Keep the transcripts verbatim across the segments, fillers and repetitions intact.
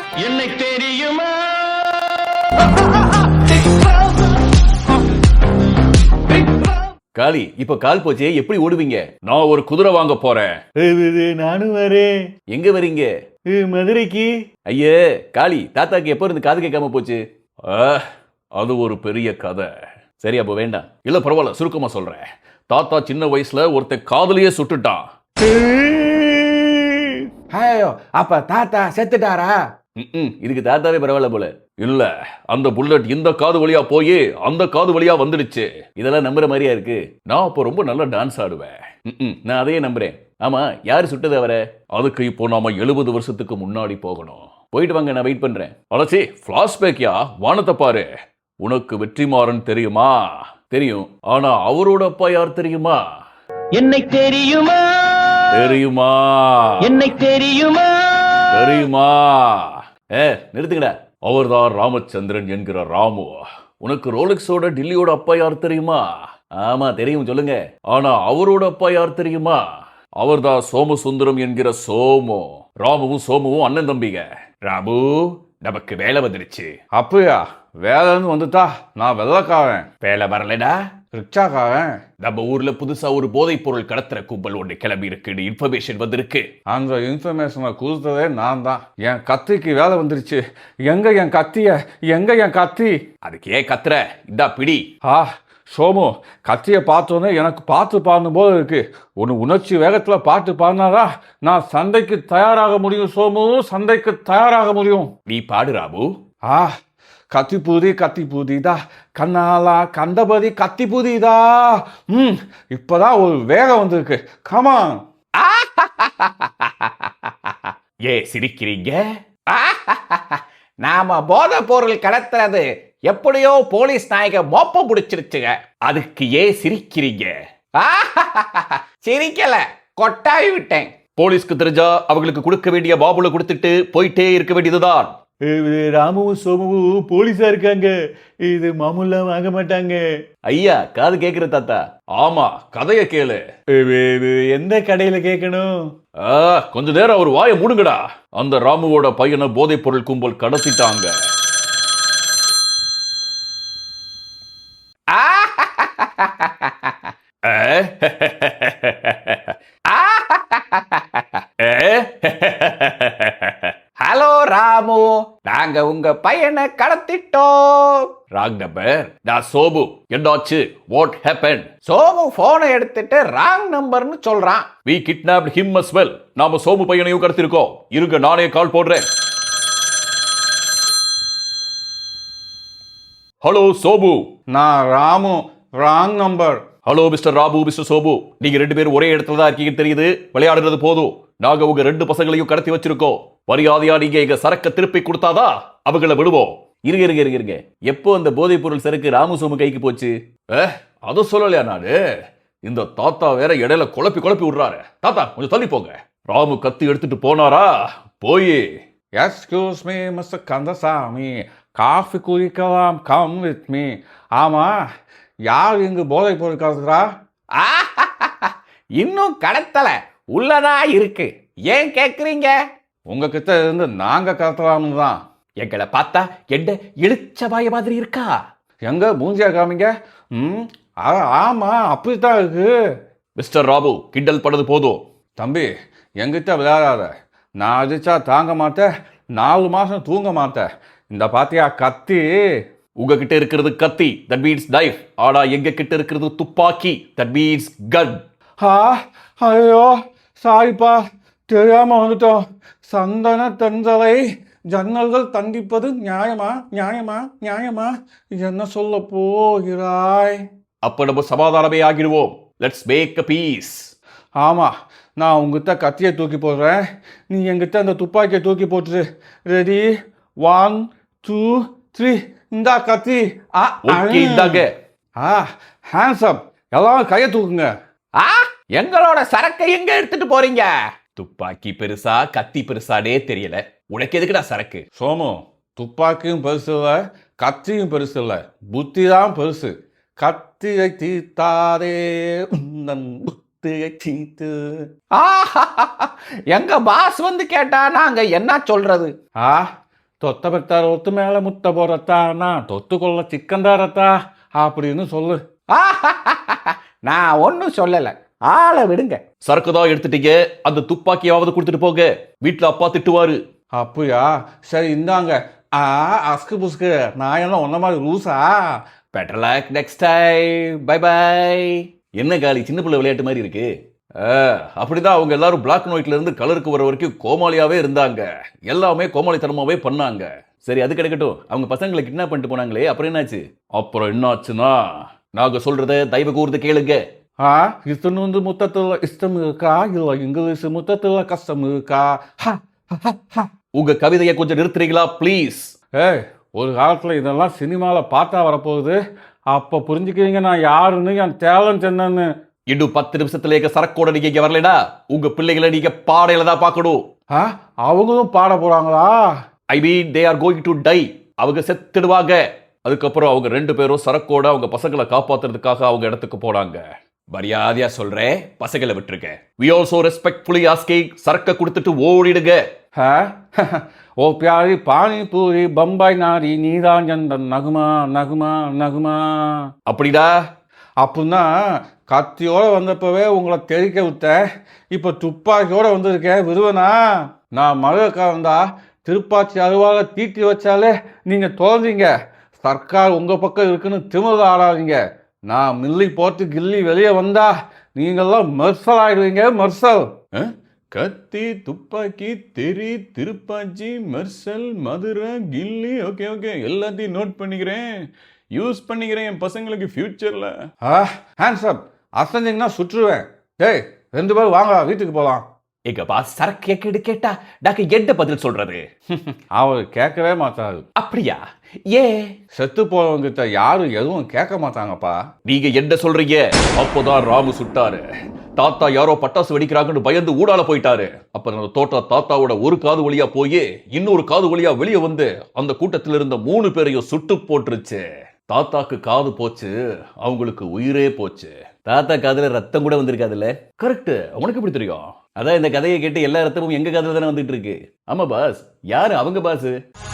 என்னை தெரியுமா? காளி, இப்ப கால் போச்சே, எப்படி ஓடுவீங்க? நான் ஒரு குதிரை வாங்க போறேன். நானும் வரேன். எங்க வரீங்க? மதுரைக்கு. ஐயே காளி, தாத்தாக்கு எப்ப இருந்து காது கேட்காம போச்சு? அது ஒரு பெரிய கதை. சரி, அப்ப வேண்டாம். இல்ல பரவாயில்ல, சுருக்கமா சொல்றேன். தாத்தா சின்ன வயசுல ஒருத்த காதலியே சுட்டுட்டான். அப்ப தாத்தா செத்துட்டாரா? இதுக்கு தாத்தாவே பரவாயில்ல போல. இல்ல, அந்த புல்லட் இந்த காது வழியா போய் அந்த காது வழியா வந்துடுச்சு. இதெல்லாம் நம்புற மாதிரியா இருக்கு? நான் அப்போ ரொம்ப நல்லா டான்ஸ் ஆடுவேன். நான் அதையே நம்புறேன். ஆமா, யாரு சுட்டது அவர? அதுக்கு இப்போ நாம எழுபது வருஷத்துக்கு முன்னாடி போகணும். போயிட்டு வாங்க, நான் வெயிட் பண்றேன். அலசி, பிளாஷ்பேக்கியா? வானத்தை பாரு. உனக்கு வெற்றிமாறன் தெரியுமா? தெரியும். ஆனா அவரோட அப்பா யார் தெரியுமா? என்னை தெரியுமா? தெரியுமா? என்னை தெரியுமா? தெரியுமா? ஏ நிறுத்துங்கடா. அவர்தான் ராமச்சந்திரன் என்கிற ராமு. உனக்கு ரோலெக்ஸோட டில்லியோட அப்பா யார் தெரியுமா? ஆமா தெரியும், சொல்லுங்க. ஆனா அவரோட அப்பா யார் தெரியுமா? அவர்தான் சோமசுந்தரம் என்கிற சோமு. ராமுவும் சோமுவும் அண்ணன் தம்பிங்க. ராமு, நமக்கு வேலை வந்துடுச்சு. அப்பயா வேலைன்னு வந்துட்டா நான் வெள்ளக்காரன். வேலை வரலடா, ரிக்ஷாக்காரன். நம்ம ஊர்ல புதுசா ஒரு போதைப் பொருள் கடத்துற கும்பல் ஒன்று கிளம்பி இருக்குன்னு இன்ஃபர்மேஷன் வந்திருக்கு. அந்த இன்ஃபர்மேஷனை கொடுத்ததே நான் தான். என் கத்திக்கு வேலை வந்துருச்சு. எங்க என் கத்திய? எங்க என் கத்தி? அதுக்கு ஏன் கத்துற? இந்தா பிடி. ஆ சோமு, கத்தியை பார்த்தோன்னே எனக்கு பாட்டு பாடணும் போல இருக்கு. ஒன்று உணர்ச்சி வேகத்தில் பாட்டு பாடினாரா நான் சண்டைக்கு தயாராக முடியும். சோமு, சண்டைக்கு தயாராக முடியும். நீ பாடு ராமு. ஆ கத்தி பூதி கத்தி பூதிதா, கண்ணாலா கண்டபதி கத்தி பூதிதா. ம் இப்பதான் ஒரு வேகம் வந்திருக்கு. கமான். ஏ சிரிக்கிறீங்க? நாம போதை பொருள் கடத்துறது எப்படியோ போலீஸ் நாயக மோப்பம் பிடிச்சிருச்சுங்க. அதுக்கு ஏன் சிரிக்கிறீங்க? சிரிக்கல, கொட்டாவி விட்டேன். போலீஸ்க்கு தெரிஞ்சா அவங்களுக்கு கொடுக்க வேண்டிய பாபுல கொடுத்துட்டு போயிட்டே இருக்க வேண்டியதுதான். ராமுவும் சோமுவும் போலீஸா இருக்காங்க. இது மாமூலாம் வாங்க மாட்டாங்க. ஐயா, காது கேக்குற தாத்தா? ஆமா, கதைய கேளு. எந்த கடையில கேட்கணும்? கொஞ்ச நேரம் ஒரு வாயை மூடுங்கடா. அந்த ராமுவோட பையனை போதைப் பொருள் கும்பல் கடத்திட்டாங்க. ஹலோ ராமு, நாங்க உங்க பையனை கடத்திட்டோம். Wrong number. நான் சோமு. என்னாச்சு? What happen? சோமு போனை எடுத்துட்டு ராங் நம்பர்னு சொல்றான். we kidnapped him as well. நாம சோமு பையனையும் கடத்திருக்கோம். இருங்க, நானே கால் போடுறேன். ஹலோ சோமு. நான் Ramu. Wrong number. Hello mister Rabu, mister Sobu. நீங்க ரெண்டு பேரும் ஒரே இடத்துல தான் இருக்கீங்க தெரியுது. விளையாடுறது போதும். நாங்க உங்க ரெண்டு பசங்களையும் கடத்தி வச்சிருக்கோம். மரியாதையா நீங்க எங்க சரக்க திருப்பி கொடுத்தாதா அவங்கள விடுவோம். இருங்க இருங்க இருங்க இருங்க எப்போ அந்த போதைப் பொருள் சரக்கு ராமு சோமு கைக்கு போச்சு? அது சொல்லலையா நானு? இந்த தாத்தா வேற இடையில குழப்பி குழப்பி விடுறாரு. தாத்தா கொஞ்சம் தள்ளி போங்க. ராமு கத்தி எடுத்துட்டு போனாரா? போய் excuse me mister Kandasamy, coffee குடிக்கலாம், கம் வித் மீ. ஆமா, யார் இங்கு போதை பொருள் கடத்துறா? இன்னும் கடத்தல, உள்ளதா இருக்கு. ஏன் கேக்குறீங்க? உங்ககிட்ட இருந்து நாங்க கடத்தலாம்னு தான். எங்களை பார்த்தா என்ன இழுச்ச வாய மாதிரி இருக்கா? எங்க மூஞ்சியா காமிங்க. ம் ஆமா, அப்படித்தான் இருக்கு. மிஸ்டர் ராபு, கிண்டல் பண்ணது போதும். தம்பி, எங்கிட்ட விளையாடாத. நான் அடிச்சா தாங்க மாட்டேன், நாலு மாசம் தூங்க மாட்டேன். இந்த பாத்தியா கத்தி? உங்ககிட்ட இருக்கிறது கத்தி, தட் மீன்ஸ் நைஃப். ஆனா எங்க கிட்ட இருக்கிறது துப்பாக்கி, தட் மீன்ஸ் கன். ஆ ஐயோ சாரிப்பா, தெரியாம வந்துட்டோம். சந்தன தென்றலை ஜன்னல்கள் தண்டிப்பது நியாயமா? நியாயமா? நியாயமா? என்ன சொல்ல போகிறாய்? அப்ப நம்ம சமாதானமே ஆகிடுவோம். Let's make a peace. ஆமா, நான் உங்ககிட்ட கத்தியை தூக்கி போடுறேன், நீ என்கிட்ட அந்த துப்பாக்கியை தூக்கி போட்டுரு. ரெடி? One two three. இந்தா கத்தி. ஓகே, இந்தாங்க. ஆ ஹேண்ட்ஸ் அப். எல்லாரும் கையை தூக்குங்க. ஆ எங்களோட சரக்கை எங்க எடுத்துட்டு போறீங்க? துப்பாக்கி பெருசா கத்தி பெருசானே தெரியல. உனக்கு எதுக்குடா சரக்கு? சோமு, துப்பாக்கியும் பெருசு இல்லை, கத்தியும் பெருசு இல்லை, புத்தி தான் பெருசு. கத்தியை தீர்த்தாதே உந்தன் புத்தியை தீர்த்து. எங்க பாஸ் வந்து கேட்டா நாங்க என்ன சொல்றது? ஆ தொத்த பெத்தார் ஒத்து மேல முத்த போறத்தா நான் தொத்து கொள்ள சிக்கன் தாரத்தா அப்படின்னு சொல்லு. நான் ஒன்றும் சொல்லலை, ஆளை விடுங்க. சரக்கு தான் எடுத்துட்டீங்க, அந்த துப்பாக்கியாவது கொடுத்துட்டு போங்க, வீட்டுல அப்பா திட்டுவாரு. அப்படியா, சரி இந்தாங்க. ஆ அஸ்கு புஸ்கு, நான் எல்லாம் ஒன்ன மாதிரி லூசா? Better luck next time, bye bye. என்ன காலி சின்ன பிள்ளை விளையாட்டு மாதிரி இருக்கு. அப்படிதான் அவங்க எல்லாரும் பிளாக் அண்ட் ஒயிட்ல இருந்து கலருக்கு வர வரைக்கும் கோமாளியாவே இருந்தாங்க, எல்லாமே கோமாளித்தனமாவே பண்ணாங்க. சரி அது கிடைக்கட்டும், அவங்க பசங்களை கிட்னாப் பண்ணிட்டு போனாங்களே அப்புறம் என்னாச்சு? அப்புறம் என்னாச்சுன்னா நாங்க சொல்றத தயவு கூர்ந்து கேளுங்க. ஆ இத்தனை வந்து முத்தத்துல இஷ்டம் இருக்கா, இல்ல இங்கிலீஷ் முத்தத்துல கஷ்டம் இருக்கா? உங்க கவிதையை கொஞ்சம் நிறுத்துறீங்களா ப்ளீஸ்? ஏய், ஒரு காலத்துல இதெல்லாம் சினிமால பார்த்தா வரப்போகுது, அப்ப புரிஞ்சுக்கிறீங்க நான் யாருன்னு, என் டேலண்ட் என்னன்னு. இன்னும் பத்து நிமிஷத்துல சரக்கோட நீங்க இங்க வரலடா, உங்க பிள்ளைகளை நீங்க பாடையில தான் பார்க்கணும். ஆ அவங்களும் பாட போறாங்களா? I mean they are going to die. அவங்க செத்துடுவாங்க. அதுக்கப்புறம் அவங்க ரெண்டு பேரும் சரக்கோட அவங்க பசங்களை காப்பாத்துறதுக்காக அவங்க இடத்துக்கு போனாங்க. மரியாதையா சொல்றேன், பசங்களை விட்டுருக்க. we also respectfully asking சரக்க கொடுத்துட்டு ஓடிடுங்க. ஓ பியாரி பானி பூரி பம்பாய் நாரி நீதான் எந்த நகுமா நகுமா நகுமா. அப்படிடா? அப்படின்னா கத்தியோட வந்தப்பவே உங்களை தெரிக்க விட்டேன், இப்ப துப்பாக்கியோட வந்திருக்கேன், விருவனா? நான் மதுரைக்காரன் தான், திருப்பாச்சி அருவால தீட்டி வச்சாலே நீங்க தோன்றீங்க. சர்க்கார் உங்க பக்கம் இருக்குன்னு திமிர ஆடாதீங்க. நான் மில்லி போட்டு கில்லி வெளியே வந்தா நீங்கெல்லாம் மெர்சல் ஆயிடுவீங்க, மெர்சல். கத்தி, துப்பாக்கி, தெரி, திருப்பாச்சி, மெர்சல், மதுரை, கில்லி, ஓகே ஓகே எல்லாத்தையும் நோட் பண்ணிக்கிறேன், யூஸ் பண்ணிக்கிறேன் என் பசங்களுக்கு ஃபியூச்சர்ல. ஆ ஹேண்ட்ஸ் அப், அசஞ்சிங்கன்னா சுற்றுவேன். டேய் ரெண்டு பேரும் வாங்க வீட்டுக்கு போகலாம். எங்கப்பா சரக்கு கேட்டு கேட்டா டாக்கு என்ன பதில் சொல்றது? அவர் கேட்கவே மாட்டாரு. அப்படியா? ஏ செத்து போறவங்கிட்ட யாரும் எதுவும் கேட்க மாட்டாங்கப்பா. நீங்க என்ன சொல்றீங்க? அப்போதான் ராமு சுட்டாரு. தாத்தா யாரோ பட்டாசு வெடிக்கிறாங்கன்னு பயந்து ஊடால போயிட்டாரு. அப்ப அந்த தோட்டா தாத்தாவோட ஒரு காது வழியா போய் இன்னொரு காது வழியா வெளியே வந்து அந்த கூட்டத்தில் இருந்த மூணு பேரையும் சுட்டு போட்டுருச்சு. தாத்தாக்கு காது போச்சு, அவங்களுக்கு உயிரே போச்சு. தாத்தா காதுல ரத்தம் கூட வந்திருக்காதுல்ல? கரெக்ட். உனக்கு எப்படி தெரியும்? அதான் இந்த கதையை கேட்டு எல்லா ரத்தமும் எங்க காதுல தானே வந்துட்டு இருக்கு. ஆமா பாஸ். யாரு அவங்க பாஸ்?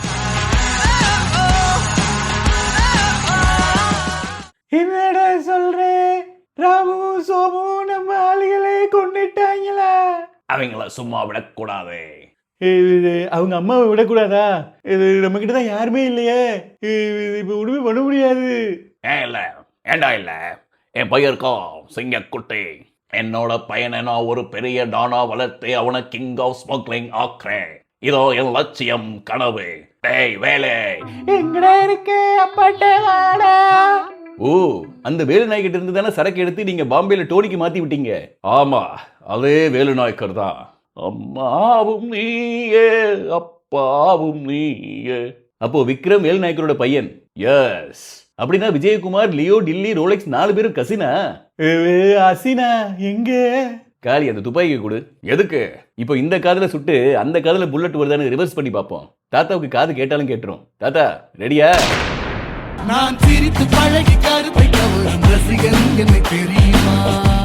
என்னடா சொல்றேன், ராமு சோமு நம்ம ஆளுகளை கொண்டுட்டாங்களா? அவங்கள சும்மா விடக்கூடாது. அவங்க அம்மாவை விடக்கூடாதா? இது நம்ம கிட்ட தான் யாருமே இல்லையே, இப்ப ஒண்ணுமே பண்ண முடியாது. ஏன் இல்ல, ஏண்டா இல்ல, என் பையன் இருக்கான் சிங்கக்குட்டி. என்னோட பையனை நான் ஒரு பெரிய டானா வளர்த்து அவனை கிங் ஆஃப் ஸ்மக்லிங் ஆக்குறேன். இதோ என் லட்சியம், கனவு. டேய் வேலை எங்கடா இருக்கு? அப்பாட்ட வாடா. ஓ, அந்த வேலு நாய்கிட்ட இருந்து தானே சரக்கு எடுத்து நீங்க பாம்பேல டோனிக்கு மாத்தி விட்டீங்க. ஆமா, அதே வேலு நாய்க்கர் தான். அம்மாவும் நீயே அப்பாவும் நீயே. அப்போ விக்ரம் வேலு நாயக்கரோட பையன். எஸ். அப்படின்னா விஜயகுமார், லியோ, டில்லி, ரோலெக்ஸ் நாலு பேரும் கசினா? அசினா எங்க? காலி அந்த துப்பாக்கி கொடு. எதுக்கு? இப்போ இந்த காதுல சுட்டு அந்த காதுல புல்லட் வருதான்னு ரிவர்ஸ் பண்ணி பார்ப்போம். தாத்தாவுக்கு காது கேட்டாலும் கேட்டுரும். தாத்தா ரெடியா? நான் சிரித்து பழகி கருத்தை ரசிகன் என்னை தெரியுமா?